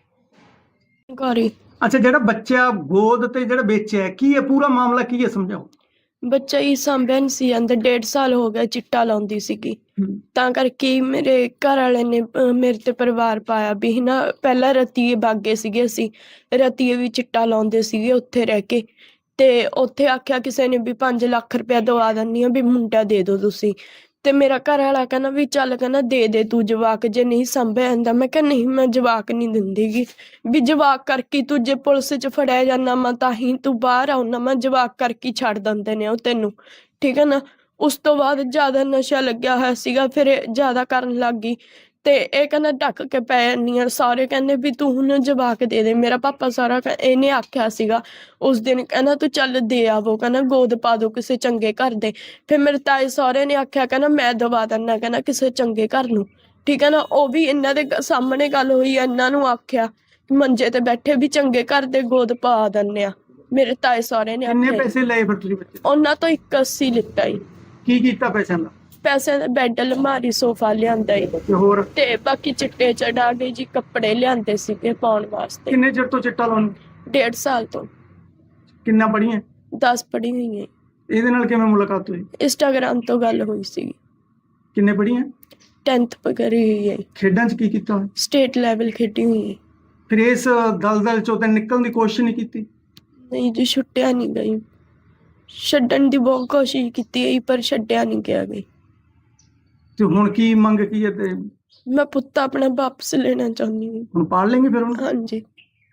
[SPEAKER 4] ਘਰੀ
[SPEAKER 3] ਅੱਛਾ, ਜਿਹੜਾ ਬੱਚਾ ਗੋਦ ਤੇ ਜਿਹੜਾ ਵੇਚਿਆ ਹੈ, ਕੀ ਹੈ ਪੂਰਾ ਮਾਮਲਾ, ਕੀ ਹੈ ਸਮਝਾਓ।
[SPEAKER 4] ਬੱਚਾ ਹੀ ਸਾਂਭਿਆ ਨਹੀਂ ਸੀ ਜਾਂਦਾ, ਡੇਢ ਸਾਲ ਹੋ ਗਿਆ ਚਿੱਟਾ ਲਾਉਂਦੀ ਸੀਗੀ। ਤਾਂ ਕਰਕੇ ਹੀ ਮੇਰੇ ਘਰ ਵਾਲੇ ਨੇ ਅਹ, ਮੇਰੇ ਤੇ ਪਰਿਵਾਰ ਪਾਇਆ ਵੀ ਨਾ, ਪਹਿਲਾਂ ਰਤੀਏ ਬਾਗੇ ਸੀਗੇ, ਅਸੀਂ ਰਤੀਏ ਵੀ ਚਿੱਟਾ ਲਾਉਂਦੇ ਸੀਗੇ ਉੱਥੇ ਰਹਿ ਕੇ। ਤੇ ਉੱਥੇ ਆਖਿਆ ਕਿਸੇ ਨੇ ਵੀ ਪੰਜ ਲੱਖ ਰੁਪਇਆ ਦਵਾ ਦਿੰਦੀ ਆ ਵੀ ਮੁੰਡਾ ਦੇ ਦਿਓ ਤੁਸੀਂ। ਤੇ ਮੇਰਾ ਘਰ ਵਾਲਾ ਕਹਿੰਦਾ ਵੀ ਚੱਲ, ਕਹਿੰਦਾ ਦੇ ਦੇ ਤੂੰ ਜਵਾਕ, ਜੇ ਨਹੀਂ ਸਾਂਭਿਆ ਜਾਂਦਾ। ਮੈਂ ਕਿਹਾ ਨਹੀਂ, ਮੈਂ ਜਵਾਕ ਨਹੀਂ ਦਿੰਦੀਗੀ, ਵੀ ਜਵਾਕ ਕਰਕੇ ਤੂੰ ਜੇ ਪੁਲਿਸ 'ਚ ਫੜਿਆ ਜਾਂਦਾ ਮੈਂ ਤਾਂ ਹੀ ਤੂੰ ਬਾਹਰ ਆਉਣਾ, ਮੈਂ ਜਵਾਕ ਕਰਕੇ ਛੱਡ ਦਿੰਦੇ ਨੇ ਉਹ ਤੈਨੂੰ, ਠੀਕ ਹੈ ਨਾ। ਉਸ ਤੋਂ ਬਾਅਦ ਜ਼ਿਆਦਾ ਨਸ਼ਾ ਲੱਗਿਆ ਹੋਇਆ ਸੀਗਾ, ਫਿਰ ਇਹ ਜ਼ਿਆਦਾ ਕਰਨ ਲੱਗ ਗਈ। ਤੇ ਇਹ ਕਹਿੰਦਾ ਢੱਕ ਕੇ ਪੈ ਜਾਂਦੀ ਆ, ਸਾਰੇ ਕਹਿੰਦੇ ਵੀ ਤੂੰ ਹੁਣ ਜਵਾਕ ਦੇ ਦੇ। ਮੇਰਾ ਪਾਪਾ ਸਾਰਾ ਕਹਿ- ਇਹਨੇ ਆਖਿਆ ਸੀਗਾ ਉਸ ਦਿਨ, ਕਹਿੰਦਾ ਤੂੰ ਚੱਲ ਦੇ ਆਵੋ, ਕਹਿੰਦਾ ਗੋਦ ਪਾ ਦੋ ਕਿਸੇ ਚੰਗੇ ਘਰ ਦੇ। ਫਿਰ ਮੇਰੇ ਤਾਏ ਸਹੁਰੇ ਨੇ ਆਖਿਆ, ਕਹਿੰਦਾ ਮੈਂ ਦਵਾ ਦਿੰਦਾ, ਕਹਿੰਦਾ ਕਿਸੇ ਚੰਗੇ ਘਰ ਨੂੰ, ਠੀਕ ਹੈ ਨਾ। ਉਹ ਵੀ ਇਹਨਾਂ ਦੇ ਗ- ਸਾਹਮਣੇ ਗੱਲ ਹੋਈ ਆ, ਇਹਨਾਂ ਨੂੰ ਆਖਿਆ ਮੰਜੇ ਤੇ ਬੈਠੇ ਵੀ ਚੰਗੇ ਘਰ ਦੇ ਗੋਦ ਪਾ ਦਿੰਦੇ ਆ। ਮੇਰੇ ਤਾਏ ਸਹੁਰੇ ਨੇ
[SPEAKER 3] ਕਿੰਨੇ
[SPEAKER 4] ਆਖਿਆ।
[SPEAKER 3] ਪੈਸੇ ਲਏ ਫਿਰ ਤੁਸੀਂ ਬੱਚੇ ਤੋਂ?
[SPEAKER 4] ਉਹਨਾਂ ਤੋਂ ਇੱਕ ਅੱਸੀ ਲਿੱਤਾ ਈ।
[SPEAKER 3] ਕੀ ਕੀਤਾ ਪੈਸਿਆਂ ਦਾ?
[SPEAKER 4] ਪੈਸੇ ਦਾ ਬੈੱਡ, ਅਲਮਾਰੀ, ਸੋਫਾ ਲਿਆਂਦਾ ਈ।
[SPEAKER 3] ਤੇ ਹੋਰ
[SPEAKER 4] ਤੇ ਬਾਕੀ ਚਿੱਟੇ ਚੜਾ ਕੇ ਜੀ ਕੱਪੜੇ ਲਿਆਂਦੇ ਸੀਗੇ ਪਾਉਣ ਵਾਸਤੇ।
[SPEAKER 3] ਕਿੰਨੇ ਚਿਰ ਤੋਂ ਚਿੱਟਾ ਲਾਉਣ?
[SPEAKER 4] ਡੇਢ ਸਾਲ ਤੋਂ।
[SPEAKER 3] ਕਿੰਨਾ ਪੜੀਆਂ?
[SPEAKER 4] ਦਸ ਪੜ੍ਹੀ ਹੋਈ ਹੈ।
[SPEAKER 3] ਇਹਦੇ ਨਾਲ ਕਿਵੇਂ ਮੁਲਾਕਾਤ ਹੋਈ?
[SPEAKER 4] ਇੰਸਟਾਗ੍ਰਾਮ ਤੋਂ ਗੱਲ ਹੋਈ ਸੀ।
[SPEAKER 3] ਕਿੰਨੇ ਪੜੀਆਂ?
[SPEAKER 4] ਟੈਂਥ ਕਰੀ ਹੋਈ ਹੈ।
[SPEAKER 3] ਖੇਡਾਂ 'ਚ ਕੀ ਕੀਤਾ ਹੋਇਆ?
[SPEAKER 4] ਸਟੇਟ ਲੈਵਲ ਖੇਡੀ ਹੋਈ ਹੈ।
[SPEAKER 3] ਫਿਰ ਇਸ ਦਲਦਲ ਚੋਂ ਤਾਂ ਨਿਕਲਣ ਦੀ ਕੋਸ਼ਿਸ਼ ਨਹੀਂ ਕੀਤੀ?
[SPEAKER 4] ਨਹੀਂ ਜੀ, ਛੁੱਟਿਆ ਨਹੀਂ ਗਈ। ਛੱਡਣ ਦੀ ਬਹੁਤ ਕੋਸ਼ਿਸ਼ ਕੀਤੀ ਹੈ ਪਰ ਛੱਡਿਆ ਨਹੀਂ ਗਿਆ ਗਈ।
[SPEAKER 3] ਤੇ ਹੁਣ ਕੀ ਮੰਗ ਕੀ ਹੈ? ਤੇ
[SPEAKER 4] ਮੈਂ ਪੁੱਤ ਆਪਣਾ ਵਾਪਸ ਲੈਣਾ ਚਾਹੁੰਦੀ ਹਾਂ।
[SPEAKER 3] ਹੁਣ ਪਾਲ ਲੈਂਗੇ ਫਿਰ ਹੁਣ?
[SPEAKER 4] ਹਾਂਜੀ।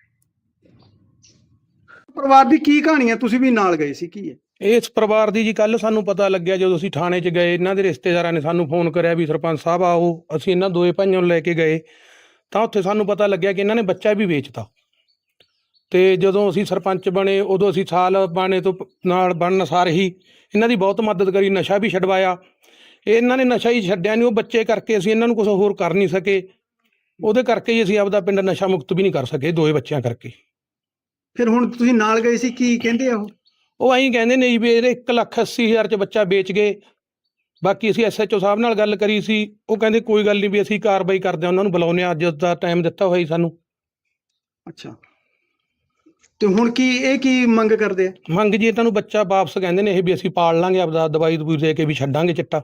[SPEAKER 3] ਪਰਿਵਾਰ ਦੀ ਕੀ ਕਹਾਣੀ ਹੈ? ਤੁਸੀਂ ਵੀ ਨਾਲ ਗਏ ਸੀ, ਕੀ ਹੈ?
[SPEAKER 5] ਇਸ ਪਰਿਵਾਰ ਦੀ ਜੀ ਕੱਲ ਸਾਨੂੰ ਪਤਾ ਲੱਗਿਆ ਜਦੋਂ ਅਸੀਂ ਥਾਣੇ 'ਚ ਗਏ, ਇਹਨਾਂ ਦੇ ਰਿਸ਼ਤੇਦਾਰਾਂ ਨੇ ਸਾਨੂੰ ਫੋਨ ਕਰਿਆ ਵੀ ਸਰਪੰਚ ਸਾਹਿਬ ਆਓ। ਅਸੀਂ ਇਹਨਾਂ ਦੋਏ ਭਾਈਆਂ ਨੂੰ ਲੈ ਕੇ ਗਏ ਤਾਂ ਉੱਥੇ ਸਾਨੂੰ ਪਤਾ ਲੱਗਿਆ ਕਿ ਇਹਨਾਂ ਨੇ ਬੱਚਾ ਵੀ ਵੇਚਤਾ। ਤੇ ਜਦੋਂ ਅਸੀਂ ਸਰਪੰਚ ਬਣੇ ਉਦੋਂ ਅਸੀਂ ਸਾਲ ਬਾਣੇ ਤੋਂ ਪ- ਨਾਲ ਬਣਨ ਸਾਰ ਹੀ ਇਹਨਾਂ ਦੀ ਬਹੁਤ ਮਦਦ ਕਰੀ, ਨਸ਼ਾ ਵੀ ਛਡਵਾਇਆ। ਇਹਨਾਂ ਨੇ ਨਸ਼ਾ ਹੀ ਛੱਡਿਆ ਨਹੀਂ, ਉਹ ਬੱਚੇ ਕਰਕੇ ਅਸੀਂ ਇਹਨਾਂ ਨੂੰ ਕੁਝ ਹੋਰ ਕਰ ਨਹੀਂ ਸਕੇ। ਉਹਦੇ ਕਰਕੇ ਹੀ ਅਸੀਂ ਆਪਦਾ ਪਿੰਡ ਨਸ਼ਾ ਮੁਕਤ ਵੀ ਨਹੀਂ ਕਰ ਸਕੇ, ਦੋਏ ਬੱਚਿਆਂ ਕਰਕੇ।
[SPEAKER 3] ਫਿਰ ਹੁਣ ਤੁਸੀਂ ਨਾਲ ਗਏ ਸੀ, ਕੀ ਕਹਿੰਦੇ ਆ ਉਹ?
[SPEAKER 5] ਉਹ ਐਂ ਕਹਿੰਦੇ ਨੇ ਜੀ ਵੀ ਇਹਦੇ ਇੱਕ ਲੱਖ ਅੱਸੀ ਹਜ਼ਾਰ 'ਚ ਬੱਚਾ ਵੇਚ ਗਏ। ਬਾਕੀ ਅਸੀਂ ਐਸ ਐਚ ਓ ਸਾਹਿਬ ਨਾਲ ਗੱਲ ਕਰੀ ਸੀ, ਉਹ ਕਹਿੰਦੇ ਕੋਈ ਗੱਲ ਨਹੀਂ ਵੀ ਅਸੀਂ ਕਾਰਵਾਈ ਕਰਦੇ ਹਾਂ, ਉਹਨਾਂ ਨੂੰ ਬੁਲਾਉਂਦੇ ਹਾਂ, ਅੱਜ ਦਾ ਟਾਈਮ ਦਿੱਤਾ ਹੋਇਆ ਜੀ ਸਾਨੂੰ।
[SPEAKER 3] ਅੱਛਾ, ਤੇ ਹੁਣ ਕੀ ਇਹ ਕੀ ਮੰਗ ਕਰਦੇ ਆ?
[SPEAKER 5] ਮੰਗ ਜੀ ਇਹਨਾਂ ਨੂੰ ਬੱਚਾ ਵਾਪਸ ਕਹਿੰਦੇ ਨੇ ਇਹ ਵੀ ਅਸੀਂ ਪਾਲ ਲਾਂਗੇ, ਆਪਦਾ ਦਵਾਈ ਦਵੂਈ ਦੇ ਕੇ ਵੀ ਛੱਡਾਂਗੇ ਚਿੱਟਾ।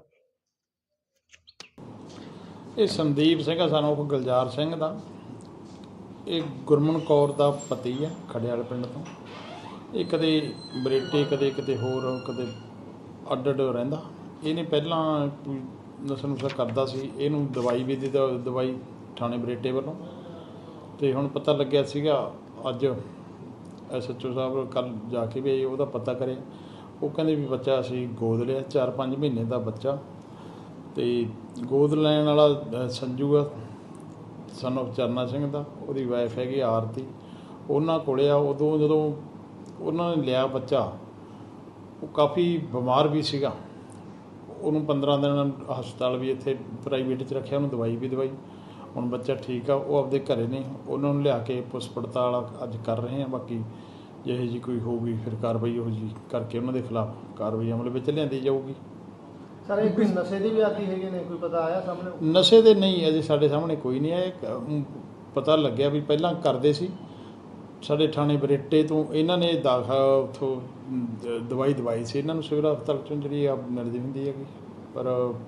[SPEAKER 6] ਇਹ ਸੰਦੀਪ ਸਿੰਘ ਆ, ਸਾਨੂੰ ਉਹ ਗੁਲਜ਼ਾਰ ਸਿੰਘ ਦਾ। ਇਹ ਗੁਰਮਨ ਕੌਰ ਦਾ ਪਤੀ ਆ, ਖੜਿਆਲ ਪਿੰਡ ਤੋਂ। ਇਹ ਕਦੇ ਬਰੇਟੇ, ਕਦੇ ਕਿਤੇ ਹੋਰ, ਕਦੇ ਅੱਡ ਅੱਡ ਰਹਿੰਦਾ। ਇਹਨੇ ਪਹਿਲਾਂ ਕੋਈ ਨਸ਼ਾ ਨੁਸ਼ਾ ਕਰਦਾ ਸੀ, ਇਹਨੂੰ ਦਵਾਈ ਵੀ ਦਿੱਤਾ, ਦਵਾਈ ਥਾਣੇ ਬਰੇਟੇ ਵੱਲੋਂ। ਅਤੇ ਹੁਣ ਪਤਾ ਲੱਗਿਆ ਸੀਗਾ ਅੱਜ ਐਸ ਐਚ ਓ ਸਾਹਿਬ ਕੱਲ੍ਹ ਜਾ ਕੇ ਵੀ ਉਹਦਾ ਪਤਾ ਕਰਿਆ। ਉਹ ਕਹਿੰਦੇ ਵੀ ਬੱਚਾ ਅਸੀਂ ਗੋਦ ਲਿਆ, ਚਾਰ ਪੰਜ ਮਹੀਨੇ ਦਾ ਬੱਚਾ। ਅਤੇ ਗੋਦ ਲੈਣ ਵਾਲਾ ਅ, ਸੰਜੂ ਆ, ਸਨ ਆਫ ਚਰਨਾ ਸਿੰਘ ਦਾ। ਉਹਦੀ ਵਾਈਫ ਹੈਗੀ ਆਰਤੀ, ਉਹਨਾਂ ਕੋਲ ਆ। ਉਦੋਂ ਜਦੋਂ ਉਹਨਾਂ ਨੇ ਲਿਆ ਬੱਚਾ, ਉਹ ਕਾਫੀ ਬਿਮਾਰ ਵੀ ਸੀਗਾ। ਉਹਨੂੰ ਪੰਦਰਾਂ ਦਿਨ ਹਸਪਤਾਲ ਵੀ ਇੱਥੇ ਪ੍ਰਾਈਵੇਟ 'ਚ ਰੱਖਿਆ, ਉਹਨੂੰ ਦਵਾਈ ਵੀ ਦਵਾਈ। ਹੁਣ ਬੱਚਾ ਠੀਕ ਆ, ਉਹ ਆਪਦੇ ਘਰੇ ਨੇ। ਉਹਨਾਂ ਨੂੰ ਲਿਆ ਕੇ ਪੁਲਿਸ ਪੜਤਾਲ ਅੱਜ ਕਰ ਰਹੇ ਹਾਂ। ਬਾਕੀ ਜਿਹੋ ਜਿਹੀ ਕੋਈ ਹੋਊਗੀ ਫਿਰ ਕਾਰਵਾਈ ਉਹੋ ਜਿਹੀ ਕਰਕੇ ਉਹਨਾਂ ਦੇ ਖਿਲਾਫ ਕਾਰਵਾਈ ਅਮਲ ਵਿੱਚ ਲਿਆਂਦੀ ਜਾਊਗੀ।
[SPEAKER 7] ਸਰ ਇਹ ਕੋਈ ਨਸ਼ੇ ਦੀ ਵੀ ਆਦੀ ਹੈਗੇ ਨੇ, ਕੋਈ ਪਤਾ ਆਇਆ ਸਾਹਮਣੇ?
[SPEAKER 6] ਨਸ਼ੇ ਦੇ ਨਹੀਂ, ਅਜੇ ਸਾਡੇ ਸਾਹਮਣੇ ਕੋਈ ਨਹੀਂ ਆਇਆ। ਇੱਕ, ਅਮ, ਪਤਾ ਲੱਗਿਆ ਵੀ ਪਹਿਲਾਂ ਕਰਦੇ ਸੀ ਸਾਡੇ ਥਾਣੇ ਬਰੇਟੇ ਤੋਂ। ਇਹਨਾਂ ਨੇ ਦਾਖਾ ਉੱਥੋਂ ਦ- ਦਵਾਈ ਦਵਾਈ ਸੀ ਇਹਨਾਂ ਨੂੰ ਸਿਵਲ ਹਸਪਤਾਲ 'ਚੋਂ, ਜਿਹੜੀ ਆ ਮਿਲਦੀ ਹੁੰਦੀ ਹੈਗੀ। ਪਰ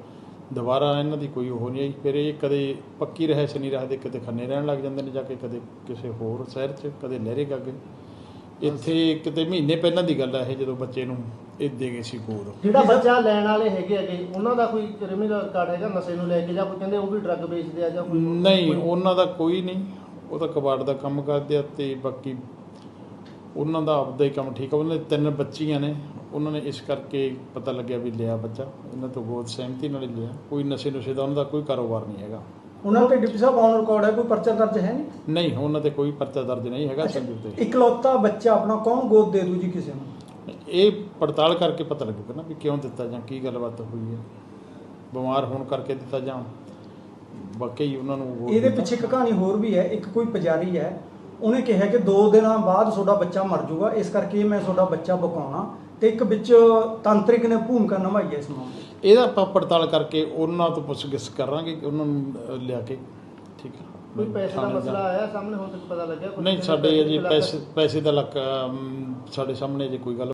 [SPEAKER 6] ਦੁਬਾਰਾ ਇਹਨਾਂ ਦੀ ਕੋਈ ਉਹ ਨਹੀਂ ਆਈ। ਫਿਰ ਇਹ ਕਦੇ ਪੱਕੀ ਰਹਿਸ਼ ਨਹੀਂ ਰੱਖਦੇ, ਕਿਤੇ ਖੰਨੇ ਰਹਿਣ ਲੱਗ ਜਾਂਦੇ ਨੇ ਜਾ ਕੇ, ਕਦੇ ਕਿਸੇ ਹੋਰ ਸ਼ਹਿਰ 'ਚ, ਕਦੇ ਲਹਿਰੇ ਗਾਗੇ। ਇੱਥੇ ਕਿਤੇ ਮਹੀਨੇ ਪਹਿਲਾਂ ਦੀ ਗੱਲ ਹੈ ਇਹ, ਜਦੋਂ ਬੱਚੇ ਨੂੰ ਇਹ ਦੇ ਗਏ ਸੀ ਗੋਦ।
[SPEAKER 7] ਜਿਹੜਾ ਬੱਚਾ ਲੈਣ ਵਾਲੇ ਹੈਗੇ ਹੈਗੇ ਉਹਨਾਂ ਦਾ ਕੋਈ ਕ੍ਰਿਮੀਨਲ ਰਿਕਾਰਡ ਹੈਗਾ ਨਸ਼ੇ ਨੂੰ ਲੈ ਕੇ, ਜਾਂ ਕੋਈ ਕਹਿੰਦੇ ਉਹ ਵੀ ਡਰੱਗ ਵੇਚਦੇ ਆ ਜਾਂ ਕੋਈ?
[SPEAKER 6] ਨਹੀਂ, ਉਹਨਾਂ ਦਾ ਕੋਈ ਨਹੀਂ, ਉਹ ਤਾਂ ਕਬਾੜ ਦਾ ਕੰਮ ਕਰਦੇ ਆ। ਤੇ ਬਾਕੀ ਉਹਨਾਂ ਦਾ ਆਪਦਾ ਹੀ ਕੰਮ ਠੀਕ ਆ। ਉਹਨਾਂ ਦੇ ਤਿੰਨ ਬੱਚੀਆਂ ਨੇ, ਉਹਨਾਂ ਨੇ ਇਸ ਕਰਕੇ ਪਤਾ ਲੱਗਿਆ ਵੀ ਲਿਆ ਬੱਚਾ, ਇਹਨਾਂ ਤੋਂ ਗੋਦ ਸਹਿਮਤੀ ਨਾਲ ਹੀ ਲਿਆ। ਕੋਈ ਨਸ਼ੇ ਨੁਸ਼ੇ ਦਾ ਉਹਨਾਂ ਦਾ ਕੋਈ ਕਾਰੋਬਾਰ ਨਹੀਂ ਹੈਗਾ।
[SPEAKER 8] ਉਹਨਾਂ ਤੇ ਡਿਪਟੀ ਸਾਹਿਬ ਔਨ ਰਿਕਾਰਡ ਹੈ, ਕੋਈ ਪਰਚਾ ਦਰਜ ਹੈ ਨਹੀਂ?
[SPEAKER 6] ਨਹੀਂ, ਉਹਨਾਂ ਤੇ ਕੋਈ ਪਰਚਾ ਦਰਜ ਨਹੀਂ ਹੈਗਾ।
[SPEAKER 8] ਅੱਛਾ,
[SPEAKER 6] ਸੰਜੂ ਤੇ
[SPEAKER 8] ਇਕਲੌਤਾ ਬੱਚਾ ਆਪਣਾ ਕੌਣ ਗੋਦ ਦੇ ਦੂ ਜੀ ਕਿਸੇ ਨੂੰ?
[SPEAKER 6] ਇਹ ਪੜਤਾਲ ਕਰਕੇ ਪਤਾ ਲੱਗੇਗਾ ਨਾ ਵੀ ਕਿਉਂ ਦਿੱਤਾ ਜਾਂ ਕੀ ਗੱਲਬਾਤ ਹੋਈ ਹੈ। ਬਿਮਾਰ ਹੋਣ ਕਰਕੇ ਦਿੱਤਾ ਜਾਂ ਵਾਕਈ ਉਹਨਾਂ ਨੂੰ ਗੋਦ
[SPEAKER 8] ਇਹਦੇ
[SPEAKER 6] ਦਿੱਤਾ।
[SPEAKER 8] ਪਿੱਛੇ ਇੱਕ ਕਹਾਣੀ ਹੋਰ ਵੀ ਹੈ। ਇੱਕ ਕੋਈ ਪੁਜਾਰੀ ਹੈ, ਉਹਨੇ ਕਿਹਾ ਕਿ ਦੋ ਦਿਨਾਂ ਬਾਅਦ ਤੁਹਾਡਾ ਬੱਚਾ ਮਰ ਜਾਊਗਾ, ਇਸ ਕਰਕੇ ਮੈਂ ਤੁਹਾਡਾ ਬੱਚਾ ਬਕਾਉਣਾ, ਤੇ ਇੱਕ ਵਿੱਚ ਤਾਂਤਰਿਕ ਨੇ ਭੂਮਿਕਾ ਨਿਭਾਈ ਹੈ ਇਸ ਮਾਮਲੇ 'ਚ।
[SPEAKER 6] ਇਹਦਾ ਆਪਾਂ ਪੜਤਾਲ ਕਰਕੇ ਉਹਨਾਂ ਤੋਂ ਪੁੱਛਗਿੱਛ ਕਰਾਂਗੇ ਕਿ ਉਹਨਾਂ ਨੂੰ ਅ, ਲਿਆ ਕੇ। ਠੀਕ ਹੈ।
[SPEAKER 7] ਕੋਈ ਪੈਸੇ ਦਾ
[SPEAKER 6] ਥਾਣੇ
[SPEAKER 7] ਮਸਲਾ
[SPEAKER 6] ਜਾ-
[SPEAKER 7] ਆਇਆ ਸਾਹਮਣੇ, ਹੁਣ ਤੱਕ ਪਤਾ ਲੱਗਿਆ ਕੁਛ?
[SPEAKER 6] ਨਹੀਂ,
[SPEAKER 7] ਕਿੰਨੇ
[SPEAKER 6] ਸਾਡੇ
[SPEAKER 7] ਪੈਸੇ
[SPEAKER 6] ਅਜੇ
[SPEAKER 7] ਲੱਗ-
[SPEAKER 6] ਪੈਸੇ ਪੈਸੇ ਦਾ ਲੱਕ ਅਮ, ਸਾਡੇ ਸਾਹਮਣੇ ਜੇ ਕੋਈ ਗੱਲ